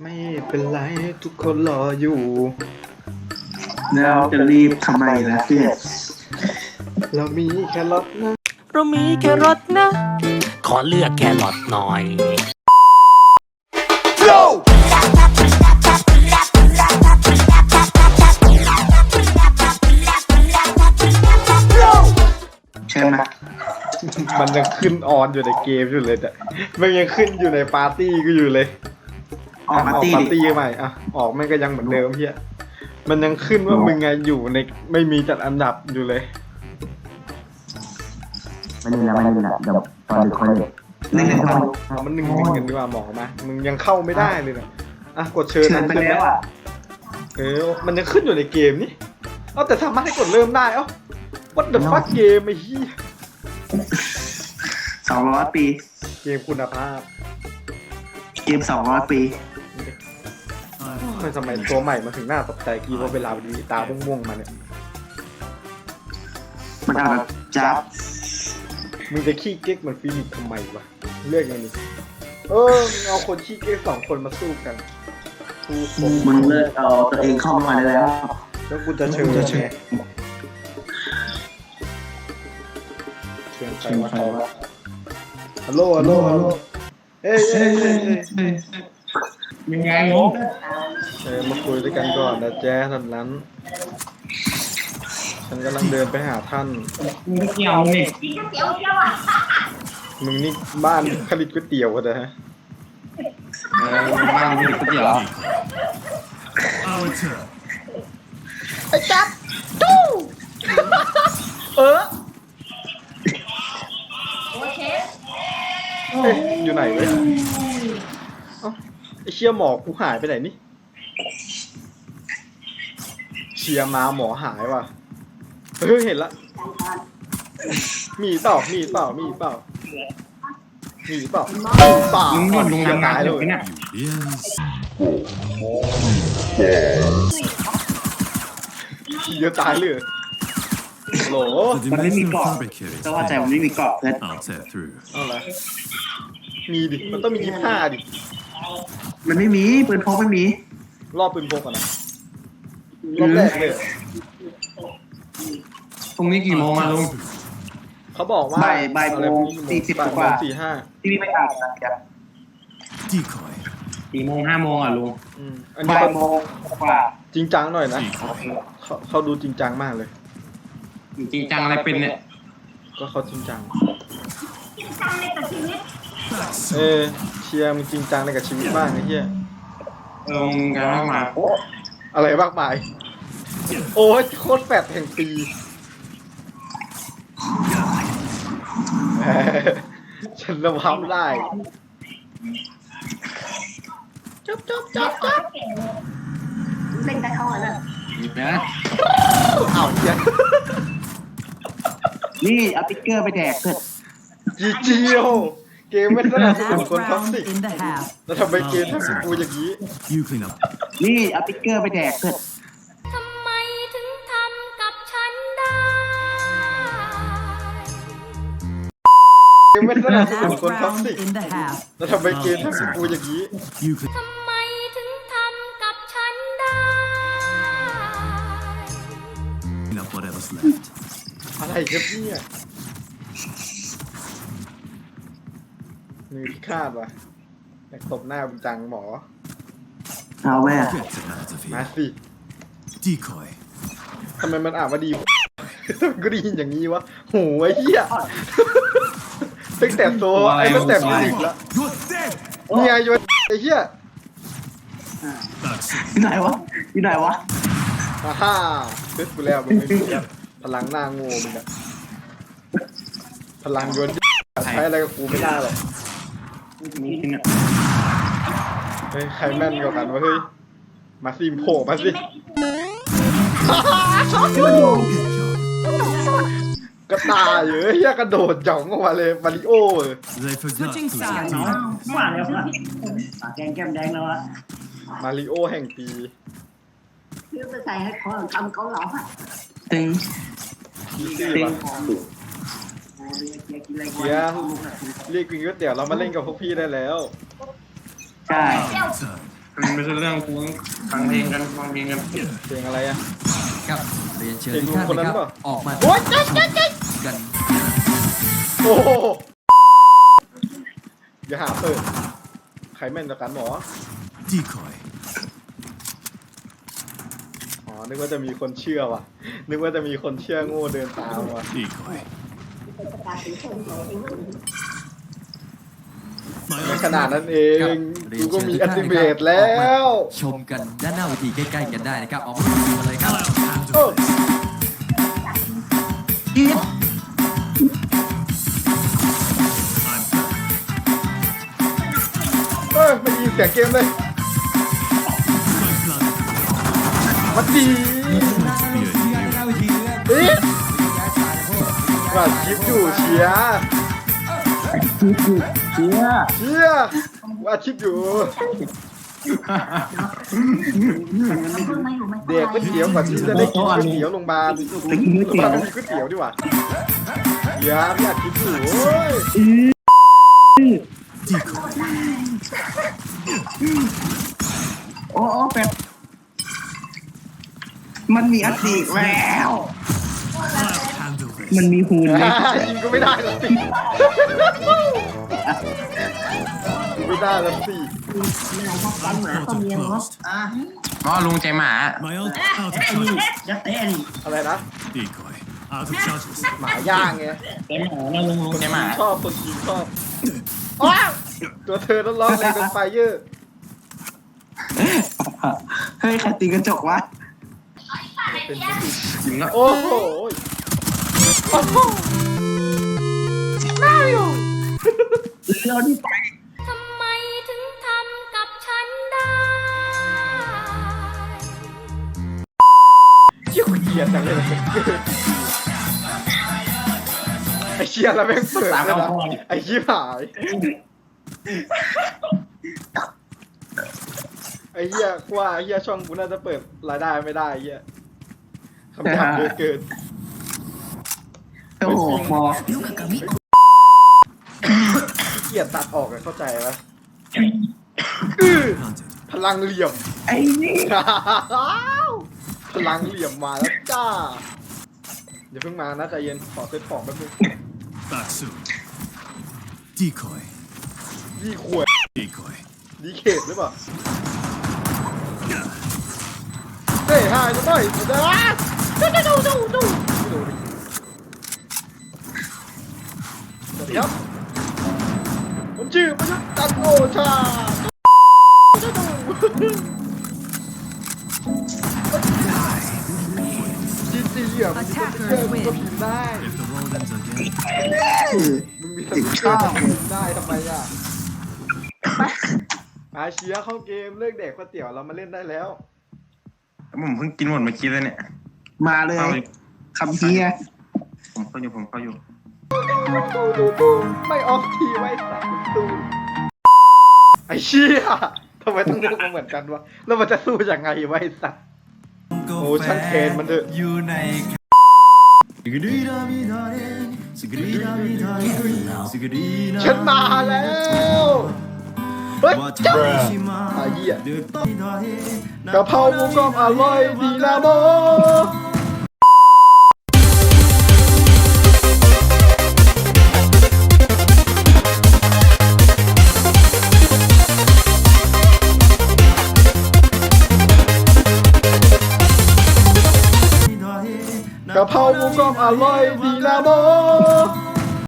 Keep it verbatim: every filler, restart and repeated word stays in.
ไม่เป็นไรทุกคนรออยู่แล้วจะรีบทำไมล่ะเพื่อนเรามีแค่รถนะเรามีแครอทนะ ขอเลือกแครอทหน่อยใช่ไหมมันยังขึ้นออนอยู่ในเกมอยู่เลยแต่มันยังขึ้นอยู่ในปาร์ตี้ก็อยู่เลยออกปาร์ตี้ปาร์ตี้ใหม่อ่ะออกมันก็ยังเหมือนเดิมเพี้ยมันยังขึ้นว่ามึงไงอยู่ในไม่มีจัดอันดับอยู่เลยไม่เล่นแล้วไม่เล่นแล้วเดี๋ยวตอนดึกค่อยเล่นหนึ่งหนึ่งตอนเอามันหนึ่งหนึ่งกันดีกว่าหมอมามึงยังเข้าไม่ได้เลยนะอ่ะกดเชิญเชิญไปแล้วอ่ะเออมันยังขึ้นอยู่ในเกมนี่เอาแต่สามารถให้กดเริ่มได้เอ้า what the fuck เกมไอ้เหี้ยสองร้อยปีเกมคุณภาพเกมสองร้อยปีทำไมสมัยตัวใหม่มาถึงหน้าตกใจกีว่าเวลาดีตาม่วงๆมาเนี่ยมันอาจแบบจับมึงจะขี้เก๊กเหมือนฟิลิปทำไมวะเลือกอย่างนี้เออเอาคนขี้เก๊กสองคนมาสู้กันสู้คงมึงเลิกเอาตัวเองเข้ามาได้แล้วแล้วกูจะเชิญเชิญเชิญใครมาใครวะฮัลโหลฮัลโหลฮัลโหลเอ้ยเอ้ยเอ้ยเอ้ยยังไงงงเออมาคุยด้วยกันก่อนนะแจ๊ท่านนั้นฉันกำลังเดินไปหาท่านมึงเกี่ยวนี่มึงนี่บ้านผลิตก๋วยเตี๋ยวกันนะฮะเออบ้านผลิตก๋วยเตี๋ยวไอ้จับตู้เออเอ๊ะอยู่ไหนเว้ยเอ้าไอเชียหมอกูหายไปไหนนี่เชียมาหมอหายว่ะเฮ้ยเห็นละมีเปล่ามีเปล่ามีเปล่ามีเปล่ามีเปล่ามึงหมดลงน้ำตายเลยเนี่ยเยอะตายเลยโหลมันไม่มีเกาะแต่ว่าใจมันไม่มีเกาะเพื่อนเอาละมีดิมันต้องมียี่ห้าดิมันไม่มีปืนพกไม่มีรอบปืนพกก่อนนะรอบแรกเลยพรุ่งนี้กี่โมงมาลุงเขาบอกว่าบ่ายบ่ายโมงสี่สิบกว่าสี่ห้าที่พี่ไม่อ่านนะครับสี่โมงห้าโมงอ่ะลุงบ่ายโมงกว่าจริงจังหน่อยนะเขาเขาดูจริงจังมากเลยจริงจังอะไรเป็นเนี่ยก็เขาจริงจังเออเชียร์มึงจริงจังในกับชีวิตบ้างไอ้เหี้ยลงกันมากมายอะไรมากมายโอ้ยโคตรแฟดแห่งปีฉันระวังได้จับจับจับจับเล่นได้เข้าอ่ะนะนะเอาเหี้ยนี่เอาติ๊กเกอร์ไปแดกเถอะจีจีโอเกมไม่สนับสนุนคนท็อกซิกแล้วทำไมเกมทำกับกูอย่างนี้นี่เอาติ๊กเกอร์ไปแดกเถอะทำไมถึงทำกับฉันได้เกมไม่สนับสนุนคนท็อกซิกแล้วทำไมเกมทำกับกูอย่างนี้ทำไมถึงทำกับฉันได้อะไรครับเนี่ยมือพิฆาตว่ะอยากตบหน้าบุญจังหมอเอาแม่มาสิทำไมมันอ่านว่าดีทำไมก็ได้ยินอย่างนี้วะโหไอ้เหี้ยตั้งแต่โซไอ้ตั้งแต่มิวสิกแล้วเนี่ยโยนไอ้เหี้ยอยู่ไหนวะอยู่ไหนวะฮ่าฮ่าเฮ้ยกูแล้วมึงไม่มีพลังหน้าโง่มึงอะพลังโยนใช้อะไรกับกูไม่ได้หรอกเฮ้ยใครแม่นกว่ากันวะเฮ้ยมาซิมโผล่มาสิกระตายเยอะเฮียกระโดดจ่องออกมาเลยมาริโอเลยมาแล้วแกงแก้มแดงแล้วอะมาริโอแห่งปีเพื่อไปใส่ให้เขาทำเขาหลอกอ่ะตึงตึงเฮียเรียกกินก๋วยเตี๋ยวเรามาเล่นกับพวกพี่ได้แล้วใช่มันไม่ใช่เรื่องของฟังเพลงกันฟังเพลงกันเพลงอะไรอ่ะครับเรียนเชิญทุกท่านนะครับออกมาโอ๊ยเจ๊เจ๊เจ๊กันโอ้โหอย่าหาเปิดใครแม่นกว่ากันหมอ Decoy. อ๋อนึกว่าจะมีคนเชื่อว่ะนึกว่าจะมีคนเชื่อโง่เดินตามว่ะ Decoy. ไม่ขนาดนั้นเองเรีกูยนก็เชิญมีทุกอัท่านตินะเมครับตแล้วออกมาชมกันด้านหน้าเวทีใกล้ๆกันได้นะครับออกมาดูกันเลยครับโอ้ เอ้ยไม่ยินเสียงเกมเลยมันดีเอ๊ะว่าคลิปอยู่เชียร์เชียร์เชียร์ว่าคลิปอยู่เด็กก๋วยเตี๋ยวกว่าที่จะได้กินก๋วยเตี๋ยวโรงพยาบาลไปกินก๋วยโรงพยาเตี๋บายวลไม่มีก๋วยเตี๋ยวดีกว่าเชียร์ไม่อยากคลิปอยู่โอ้ย Decoy. โอ้โอ้แบบมันมีอัตติแล้ว I'll handle this. มันมีหูนไหมยิงก็ไม่ได้ละสิไม่ได้ละสิ Portal closed. ก็ลุงใจหมา My ult out of charges. อะไรนะ Decoy. Out of charges. หมาย่างไงลุงใจหมาชอบคนจีนชอบอ้าวตัวเธอต้องร้องเลยเป็นไฟเยอร์เฮ้ยใครตีกระจกวะจริงแล้วโอ้โหโอ้โหเราที่ไปทำไมถึงทำกับฉันได้เชี่ยเกียดจังเลยไอ้เชี่ยแล้วแม่งเปิดเลยนะไอ้ชิบหายไอ้เหี้ยกว่าไอ้เหี้ยช่องกูน่าจะเปิดรายได้ไม่ได้ไอ้เหี้ยคำถามเยอะเกินโอ้โหมอเกียดตัดออกอะเข้าใจไหม Planted. พลังเหลี่ยมไอ้นี่พลังเหลี่ยมมาแล้วจ้าอย่าเพิ่งมานะใจเย็นขอเซตของแป๊บนึง Back soon. Decoy. ยี่ขวด Decoy. ดีเขตหรือเปล่าเฮ้ยหายจะต่อยจะได้ดูดูดูดูดูดิสวัสดีครับผมชื่อประยุทธ์จันทร์โอชาจีจีอ่ะมึงมีสติ๊กเกอร์มึงก็พิมพ์ได้ If the world ends again. มึงมีสติ๊กเกอร์มึงพิมพ์ได้ทำไมอ่ะอาเชียเข้าเกมเลิกแดกก๋วยเตี๋ยวเรามาเล่นได้แล้วผมเพิ่งกินหมดเมื่อกี้เลยเนี่ยมาเลยคำเฮียผมเข้าอยู่ผมเข้าอยู่ไม่ออฟทีไว้สัตว์ตูไอ้เชี่ยทำไมต้องเลือกมาเหมือนกันวะแล้วมันจะสู้ยังไงไว้สัตว์โอ้ช่างเทรนมันเถอะอยู่ในฉันมาแล้วเฮ้ยเจ้าไอ้เหี้ยกะเพราหมูกรอบอร่อยดีนะโมกะเพราหมูกรอบอร่อยดีนะโม